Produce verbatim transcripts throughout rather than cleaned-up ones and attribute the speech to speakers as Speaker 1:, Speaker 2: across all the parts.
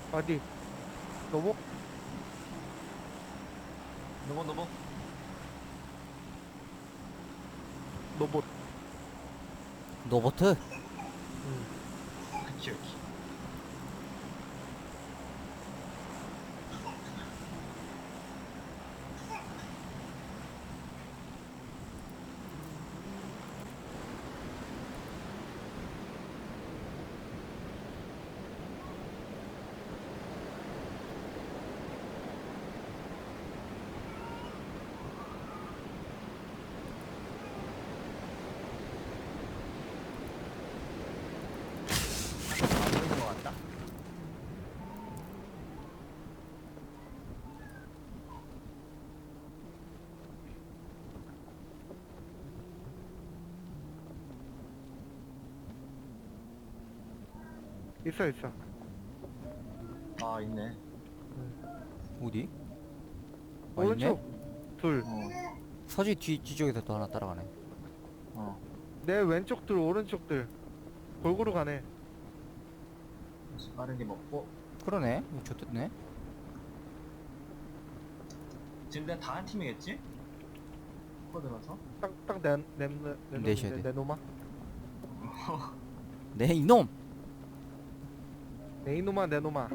Speaker 1: 어디? 로봇?
Speaker 2: 넘어 넘어.
Speaker 1: 로봇.
Speaker 3: 노보트?
Speaker 1: 응.
Speaker 2: 기억이. 안 보이는 것 같다.
Speaker 1: 있어 있어.
Speaker 2: 아 있네.
Speaker 3: 어디? 아,
Speaker 1: 오른쪽
Speaker 3: 있네?
Speaker 1: 둘.
Speaker 2: 어.
Speaker 3: 서지 뒤, 뒤쪽에서 또 하나 따라가네.
Speaker 2: 어.
Speaker 1: 내 왼쪽 둘, 오른쪽 둘. 골고루 가네.
Speaker 2: 그래서 빠르게 먹고.
Speaker 3: 그러네? 이거 좋겠네?
Speaker 2: 지금 내가 다 한 팀이겠지? 코드라서.
Speaker 1: 딱딱내내
Speaker 3: 내셔야 돼.
Speaker 1: 내 놈아.
Speaker 3: 네, 이놈!
Speaker 1: 내 이놈아 내 놈아.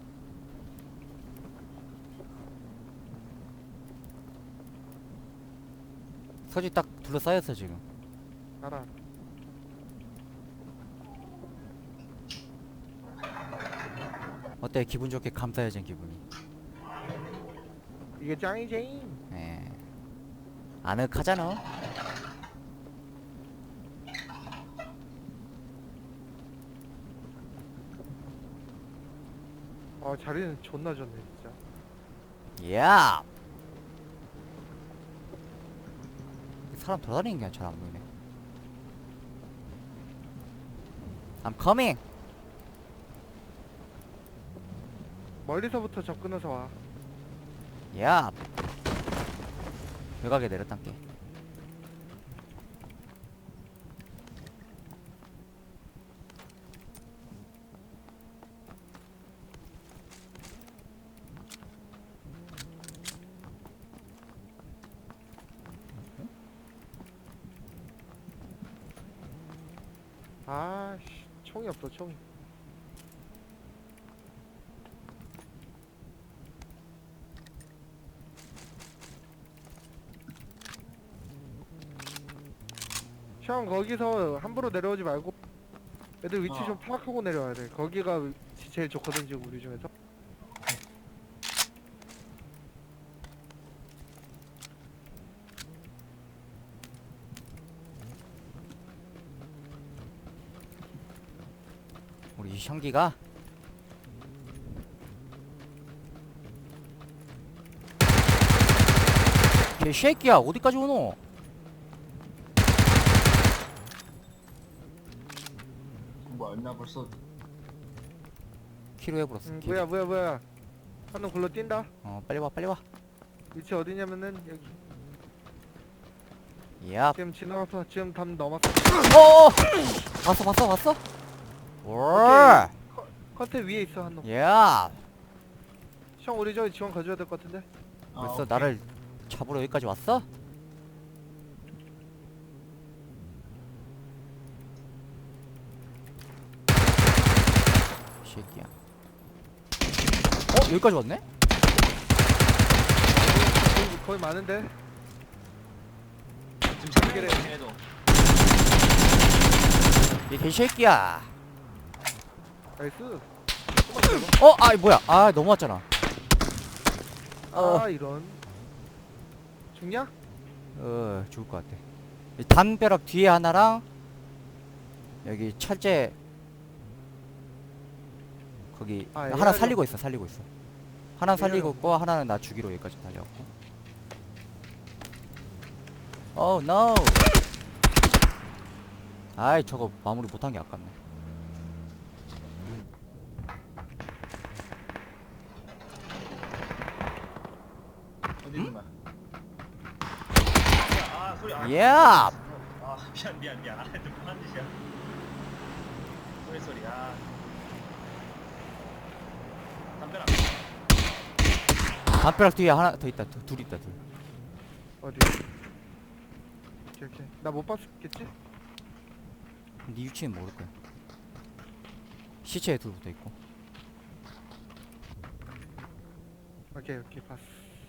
Speaker 3: 서지 딱 둘러싸였어, 지금.
Speaker 1: 알아.
Speaker 3: 어때? 기분 좋게 감싸여진 기분이.
Speaker 1: 이게 짱이지.
Speaker 3: 예. 아늑하잖아.
Speaker 1: 아 자리는 존나 좋네 진짜.
Speaker 3: 야! 사람 돌아다니는 게 잘 안 보이네. I'm coming!
Speaker 1: 멀리서부터 접근해서 와.
Speaker 3: 야! 외곽에 내렸단게.
Speaker 1: 아씨 총이 없어 총이. 형 거기서 함부로 내려오지 말고 애들 위치
Speaker 2: 어.
Speaker 1: 좀 파악하고 내려와야 돼. 거기가 위치 제일 좋거든 지금 우리 중에서.
Speaker 3: 우리 형기가 개새끼야 어디까지 오노?
Speaker 2: 뭐였나 벌써.
Speaker 3: 키로 해버렸어.
Speaker 1: 응,
Speaker 3: 키로.
Speaker 1: 뭐야 뭐야 뭐야. 한 놈 굴러 뛴다.
Speaker 3: 어 빨리 와 빨리 와.
Speaker 1: 위치 어디냐면은 여기.
Speaker 3: 야.
Speaker 1: 지금 지나가서 지금 담 넘었어.
Speaker 3: 어. 봤어 봤어 봤어? 월.
Speaker 1: 컨테 위에 있어 한 놈.
Speaker 3: 야.
Speaker 1: 형 우리 저기 지원 가져야 될 것 같은데.
Speaker 2: 아,
Speaker 3: 벌써
Speaker 2: 오케이.
Speaker 3: 나를 잡으러 여기까지 왔어? 새끼야. 어 여기까지 왔네?
Speaker 1: 거의, 거의 많은데.
Speaker 2: 지금 잡기래. 걔네도.
Speaker 3: 이 개새끼야.
Speaker 1: 나이스.
Speaker 3: 어, 아 뭐야? 아 넘어왔잖아. 어,
Speaker 1: 아 이런. 죽냐?
Speaker 3: 어 죽을 것 같아. 이 담벼락 뒤에 하나랑 여기 철제 거기
Speaker 1: 아,
Speaker 3: 하나
Speaker 1: 에어리어.
Speaker 3: 살리고 있어, 살리고 있어. 하나 살리고
Speaker 1: 에어리어.
Speaker 3: 있고 하나는 나 죽이로 여기까지 달려왔고. 오 노. 아이 저거 마무리 못한 게 아깝네.
Speaker 2: 어디 있는 거야? 아 소리. 아,
Speaker 3: 야!
Speaker 2: 아 미안 미안 미안. 아 누구 한 짓이야? 소리 소리. 아. 담벼락.
Speaker 3: 담벼락 뒤에 하나 더 있다. 둘, 둘 있다. 둘.
Speaker 1: 어디? 오케이 오케이. 나 못 봤겠지?
Speaker 3: 네 위치는 모를 거야. 시체에 둘 붙어 있고.
Speaker 1: 오케이 오케이 봤어.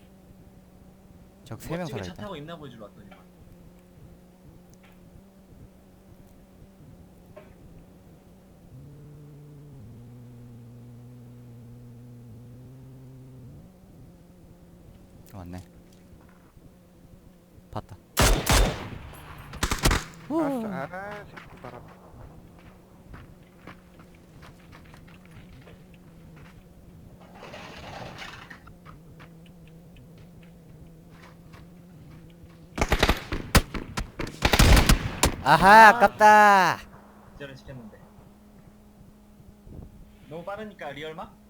Speaker 3: 적 세 명
Speaker 2: 멋지게 차
Speaker 3: 살아있다.
Speaker 2: 타고 있나 보여주러 왔더니만.
Speaker 3: 왔네. 봤다.
Speaker 1: 알았어. 아 새끼 봐라.
Speaker 3: 아하, 아깝다.
Speaker 2: 기절을 시켰는데. 너무 빠르니까 리얼마?